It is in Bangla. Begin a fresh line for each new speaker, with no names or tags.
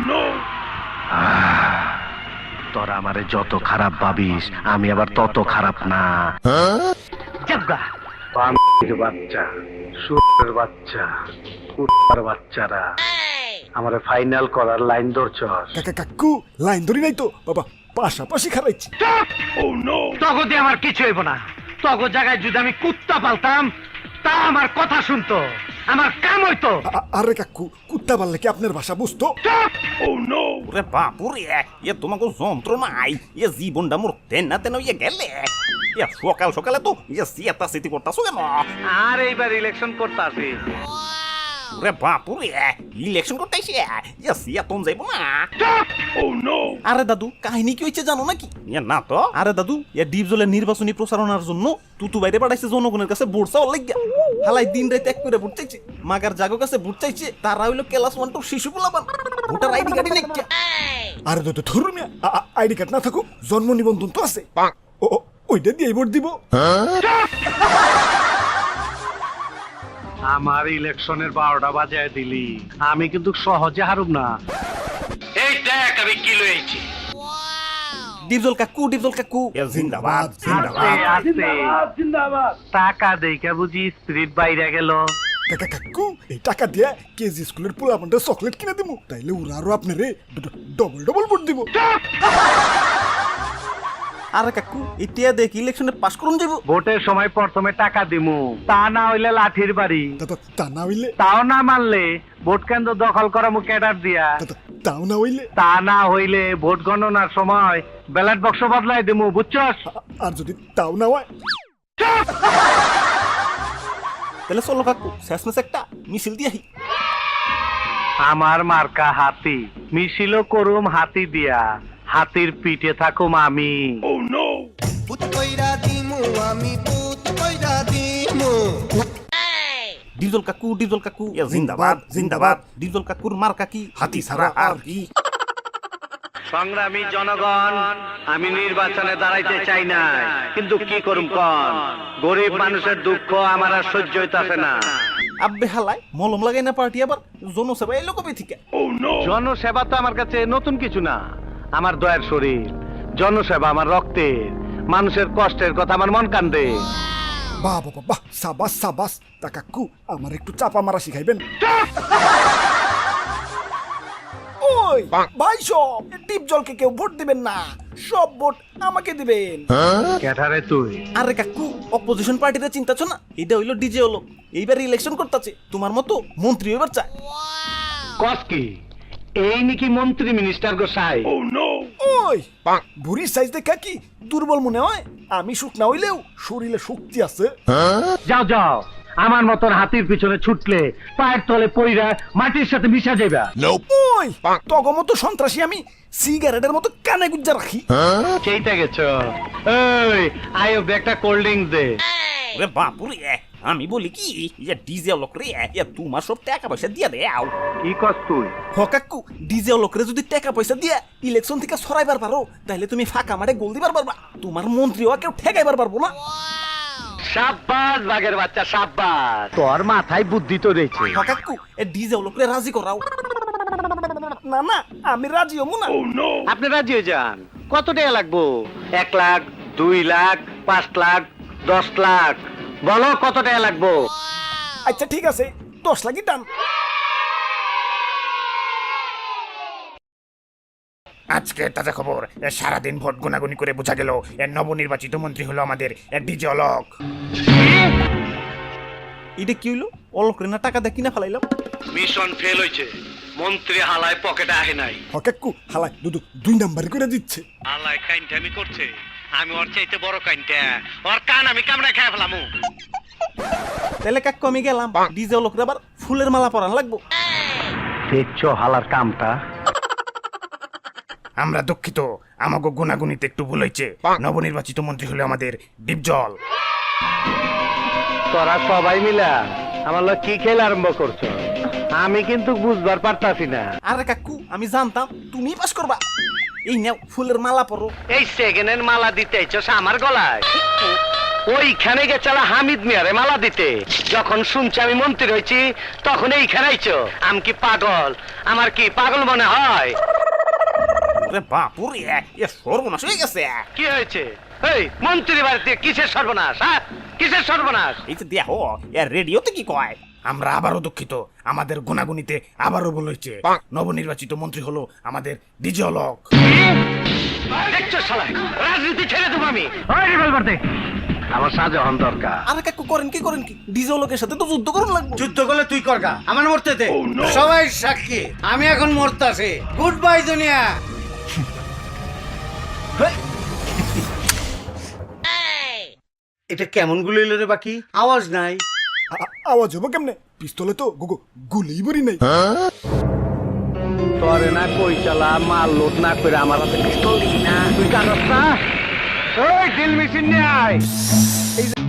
তোরা আমারে যত খারাপ ভাবিস আমি আবার তত খারাপ না। বাচ্চা, সুরের বাচ্চা, কুত্তার বাচ্চারা আমারে ফাইনাল করার লাইন ধরছস।
কাকু লাইন ধরি নাই তো বাবা, পাশাপাশি খারাইছি।
তগদে আমার কিছু হইব না। তগো জায়গায় যদি আমি কুত্তা পালতাম তা আমার কথা শুনতো, আমার কাম হইতো।
আরে কাকু, কুত্তা পাললে কি আপনার ভাষা বুঝতো?
ওরে বাপুরে, তোমাকে যন্ত্র নাই, জীবনটা মোর তেনা তেন গেলে। সকাল সকালে তো সিয়াতা সিটি করতাছো কেন?
আর এইবার ইলেকশন করতে আসি।
ওরে বাপুরে, ইলেকশন করতে আইছে, সিয়াতন যাইব না। আরে দাদু, কাহিনী কি হয়েছে জানো নাকি? না তো। আরে দাদু, ডিপজলের নির্বাচনী প্রচারণার জন্য তুতু বাইরে পাঠাইছে জনগণের কাছে ভোট চাওয়ার লাগিয়া। হালাই দিন রাত এক করে ভোট চাইছে, মাগার জাগো কাছে ভোট চাইছে। তারা হইলো ক্লাস 1 টু শিশু পোলাপান, ভোটার আইডি কার্ডই নেই।
আরে দাদু ধরুন, আইডি কার্ড না থাকুক জন্ম নিবন্ধন তো আছে, ওইটা দিয়ে ভোট দিব।
আমার ইলেকশনের 12টা বাজায় দিলি, আমি কিন্তু সহজে হারুম না। এই দেখ আমি কি লইছি।
ডিপজল কাকু, ডিপজল কাকু, জিন্দাবাদ
জিন্দাবাদ। টাকা দেইকা বুঝি স্পিরিট বাইরে গেল।
কাকু, এই টাকা দিয়ে কেজি স্কুলের পোলাপানটা চকলেট কিনে দিব, তাইলে ওরা আরো আপনারে ডবল ডবল ভোট দিব।
আরে কাকু, এটা দেখ ইলেকশনে পাস করুন যাব।
ভোটের সময় প্রথমে টাকা দিমু, তা না হইলে লাঠির বাড়ি।
তা না হইলে?
তাও না মানলে ভোট কেন্দ্র দখল করা মু ক্যাডার দিয়া।
তাও না হইলে?
তা না হইলে ভোট গণনার সময় ব্যালট বক্স বদলাই দিমু, বুঝছস?
আর যদি তাও না হয়?
তাহলে চলো কাকু, শেষমেশ একটা মিছিল দিয়ে আহি।
আমার মার্কা হাতি, মিছিলও করুম হাতি দিয়া, হাতির পিঠে থাকুম আমি।
ডিপজল কাকু, ডিপজল কাকু, জিন্দাবাদ জিন্দাবাদ। ডিপজল কাকুর মার্কা কি? হাতি ছাড়া আর কি?
সংগ্রামী জনগণ, আমি নির্বাচনে দাঁড়াইতে চাই না, কিন্তু কি করুম কন, গরিব মানুষের দুঃখ আমার আর সহ্য হইতাছে না।
আব্বে হালাই মলম লাগাই না পার্টি আবার জনসেবা এলো কবে থেকে?
জনসেবা তো আমার কাছে নতুন কিছু না, আমার দয়ার শরীর। জনসেবা আমার রক্তের, মানুষের কষ্টের কথা আমার মন কান্দে।
বাহ বাবা বাহ, সাবাস সাবাস। তা কাকু, আমার একটু চাপা মারা শিখাইবেন? ওই ভাই, সব ডিপজলকে কেউ ভোট দিবেন না, সব ভোট আমাকে দিবেন।
ক্যাঠারে তুই?
আরে কাকু, অপোজিশন পার্টিতে চিন্তাছো না? এটা হইলো ডিজে হলো, এইবার ইলেকশন করতেছে, তোমার মতো মন্ত্রী এবার চায়।
কস কি এই নাকি মন্ত্রী মিনিস্টার গোসাই?
ওই বুড়ির সাইজ দেখা কি দুর্বল মনে হয়? আমি শুকনা হইলেও শরীরে শক্তি আছে।
যাও যাও, আমার মতন হাতির পিছনে ছুটলে পায়ের তলে পইরা মাটির সাথে মিশা যাইবা।
ওই তগো মতো সন্ত্রাসী আমি সিগারেটের মতো কানে গুজ্জা রাখি।
সেইটা গেছো। এই আয়ো, একটা কোল্ড ড্রিঙ্কস দে।
ওরে বাপুরে, আমি বলি কি, ডিজে লোক রে, তোমার সব টাকা পয়সা দিয়ে দেও।
কি কস তুই?
কাকু, ডিজে লোক রে যদি টাকা পয়সা দিয়ে ইলেকশন থেকে সরাইবার পারো, তাহলে তুমি ফাঁকা মাঠে গোল দিবার পারবা, তোমার মন্ত্রীও কেউ ঠেকাইবার পারবো না।
সাব্বাস বাঘের বাচ্চা, সাব্বাস, তোর মাথায় বুদ্ধি তো রয়েছে।
কাকু, ডিজে লোক রে রাজি করাও।
না না, আমি রাজি হবো না।
আপনি রাজি হয়ে যান। কত টাকা লাগবো? 1 লাখ, 2 লাখ, 5 লাখ, 10 লাখ? বলো কত টাকা লাগবো?
আচ্ছা ঠিক আছে, 10 লাখই টান।
আজকে তাজা খবর, সারাদিন ভোট গুনাগুনি করে বোঝা গেল নবনির্বাচিত মন্ত্রী হলো আমাদের ডিজে অলোক।
এটা কি হইলো? অলোক রে না টাকা দিয়ে কিনা ফেলাইলাম।
মিশন ফেল হইছে, মন্ত্রী হালায় পকেটে আহে নাই।
কাকু, হালাই দুদু 2 নাম্বার করে দিচ্ছে।
হালায় কাইনটামি করছে, আমি ওর চাইতে বড় কাইনটা, ওর কান আমি কামড়ে খেয়ে ফেলামু।
তাহলে কাকু আমি গেলাম, ডিজে অলোক রে আবার ফুলের মালা পরান লাগবো।
দেখছো হালার কামটা?
আমরা দুঃখিত, আমাকে গুনাগুনিতে একটু ভুল হয়েছে। নবনির্বাচিত মন্ত্রী হলো আমাদের ডিপজল।
তোরা সবাই মিলা আমার লোক কি খেলা আরম্ভ করছো? আমি কিন্তু বুঝবার পারতাছি না।
আরে কাকু, আমি জানতাম তুমি পাস করবা। এই নাও ফুলের মালা পরো।
এই সেকেন্ডের মালা দিতে চাইছস আমার গলায়? ওইখানে গেছালা হামিদ মিয়ারে মালা দিতে। যখন শুনছি আমি মন্ত্রী হয়েছি তখন এইখানে আইছো। আমি কি পাগল? আমার কি পাগল মনে হয়?
ওরে বাপুরে এ সর্বনাশ হয়ে গেছে।
কি হয়েছে? এই মন্ত্রী বাড়িতে কিসের সর্বনাশ? হ্যাঁ, কিসের সর্বনাশ?
এই যে দেখো এ রেডিওতে কি কয়।
আমরা আবারও দুঃখিত, আমাদের গুনাগুনিতে আবারও ভুল হয়েছে। নবনির্বাচিত মন্ত্রী হলো আমাদের ডিজে লোক।
দেখছো শালা, রাজনীতি ছেড়ে দেবো আমি। ওই রিভলভার দে। আমার শাহজাহান দরকার।
আরে কাকু করেন কি ডিজে লোকের সাথে তো যুদ্ধ করুন লাগবে।
যুদ্ধ করলে তুই করগা, আমার মরতে দে। সবাই সাক্ষী, আমি এখন মরতাছি। গুড বাই দুনিয়া। এটা কেমন গুলি এলো রে? বাকি আওয়াজ নাই।
আওয়াজ হবো কেমনে? পিস্তলে তো গুলি বড়ি নাই।
তোরে না কই চালা মাল লোড না করে আমার হাতে পিস্তল দিবি না। তুই জানোস না? ওই ড্রিল মেশিন নিয়ে আয়। এই যে